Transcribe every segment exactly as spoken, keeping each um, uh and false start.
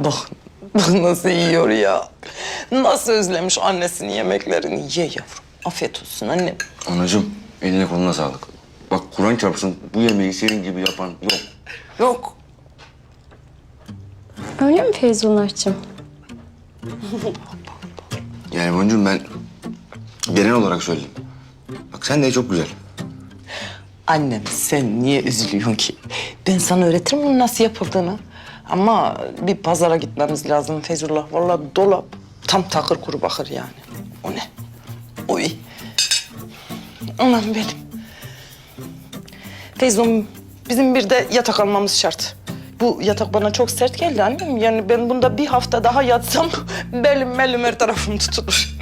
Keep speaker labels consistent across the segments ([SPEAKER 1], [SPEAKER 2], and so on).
[SPEAKER 1] Bak, bak nasıl yiyor ya. Nasıl özlemiş annesinin yemeklerini. Ye yavrum. Afiyet olsun annem.
[SPEAKER 2] Anacığım, eline koluna sağlık. Bak Kur'an çarpsın, bu yemeği senin gibi yapan yok.
[SPEAKER 1] Yok.
[SPEAKER 3] Öyle mi Feyzullah'cığım?
[SPEAKER 2] Yani Boncuğum ben genel olarak söyledim. Bak sen de çok güzel.
[SPEAKER 1] Annem sen niye üzülüyorsun ki? Ben sana öğretirim bunun nasıl yapıldığını. Ama bir pazara gitmemiz lazım Feyzullah. Vallahi dolap tam takır kuru bakır yani. O ne? Oy. Anam benim. Feyzum, bizim bir de yatak almamız şart. Bu yatak bana çok sert geldi annem. Yani ben bunda bir hafta daha yatsam belim belim her tarafım tutulur.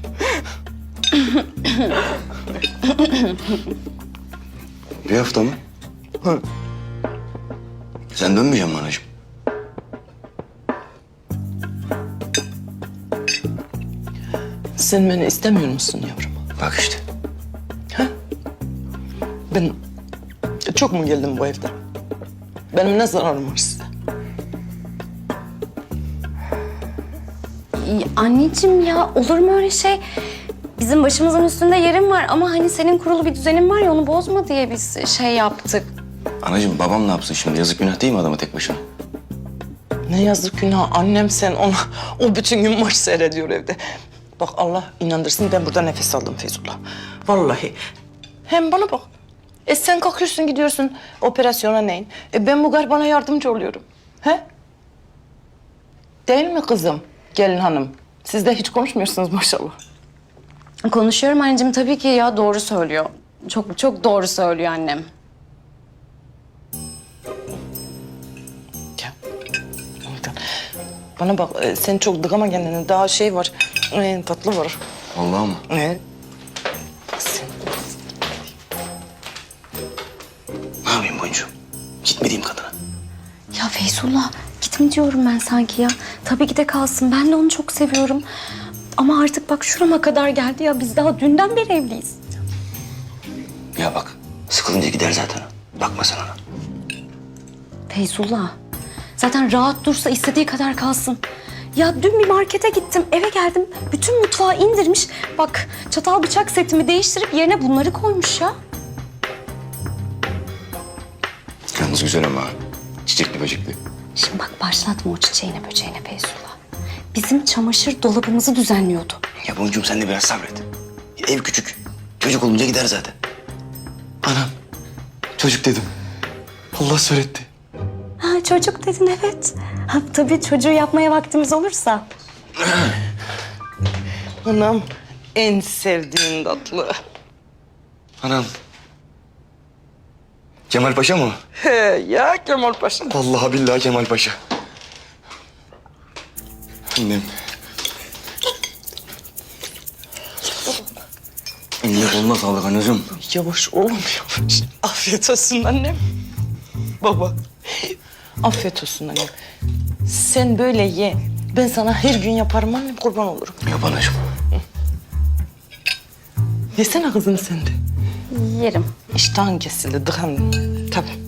[SPEAKER 2] Bir hafta mı?
[SPEAKER 1] Hı.
[SPEAKER 2] Sen dönmeyeceksin mi anacığım?
[SPEAKER 1] Sen beni istemiyor musun yavrum?
[SPEAKER 2] Bak işte.
[SPEAKER 1] Ha? Ben çok mu geldim bu evde? Benim ne zararım var size?
[SPEAKER 3] İyi, anneciğim ya olur mu öyle şey? Bizim başımızın üstünde yerin var ama hani senin kurulu bir düzenin var ya onu bozma diye biz şey yaptık.
[SPEAKER 2] Anacığım babam ne yapsın şimdi? Yazık günah değil mi adama tek başına?
[SPEAKER 1] Ne yazık günah annem sen ona o bütün gün maç seyrediyor evde. Bak Allah inandırsın ben burada nefes aldım Feyzullah. Vallahi. Hem bana bak. E sen kalkıyorsun gidiyorsun operasyona neyin? E ben bu garbana yardımcı oluyorum. He? Değil mi kızım? Gelin hanım. Siz de hiç konuşmuyorsunuz maşallah.
[SPEAKER 3] Konuşuyorum anneciğim tabii ki ya doğru söylüyor. Çok çok doğru söylüyor annem.
[SPEAKER 1] Ya. Bana bak e, sen çok dıkama kendini. Daha şey var. E, tatlı var.
[SPEAKER 2] Vallahi mı?
[SPEAKER 1] Evet. Bak sen.
[SPEAKER 2] Ne yapayım Boncuğum? Gitmediğim kadına.
[SPEAKER 3] Ya Feyzullah gitme diyorum ben sanki ya. Tabii ki de kalsın ben de onu çok seviyorum. Ama artık bak şurama kadar geldi ya biz daha dünden beri evliyiz.
[SPEAKER 2] Ya bak, sıkılınca gider zaten. Bakma sen ona.
[SPEAKER 3] Feyzullah zaten rahat dursa istediği kadar kalsın. Ya dün bir markete gittim eve geldim bütün mutfağı indirmiş. Bak çatal bıçak setimi değiştirip yerine bunları koymuş ya.
[SPEAKER 2] Yalnız güzel ama çiçekli böcekli.
[SPEAKER 3] Şimdi bak başlatma o çiçeğine böceğine Feyzullah. Bizim çamaşır dolabımızı düzenliyordu.
[SPEAKER 2] Ya Boncuğum sen de biraz sabret. Ev küçük. Çocuk olunca gider zaten. Anam. Çocuk dedim. Allah söyletti.
[SPEAKER 3] Ha çocuk dedin evet. Ha, tabii çocuğu yapmaya vaktimiz olursa.
[SPEAKER 1] Anam en sevdiğin tatlı.
[SPEAKER 2] Anam. Kemal Paşa mı?
[SPEAKER 1] He ya Kemal Paşa.
[SPEAKER 2] Vallahi billahi Kemal Paşa. Annem. Eline koluna sağlık anacığım.
[SPEAKER 1] Yavaş oğlum yavaş. Afiyet olsun annem. Baba. Afiyet olsun annem. Sen böyle ye. Ben sana her gün yaparım annem kurban olurum.
[SPEAKER 2] Yap anacığım.
[SPEAKER 1] Yesene kızım sen de.
[SPEAKER 3] Yerim.
[SPEAKER 1] İştahın kesildi dıkan. Tabii.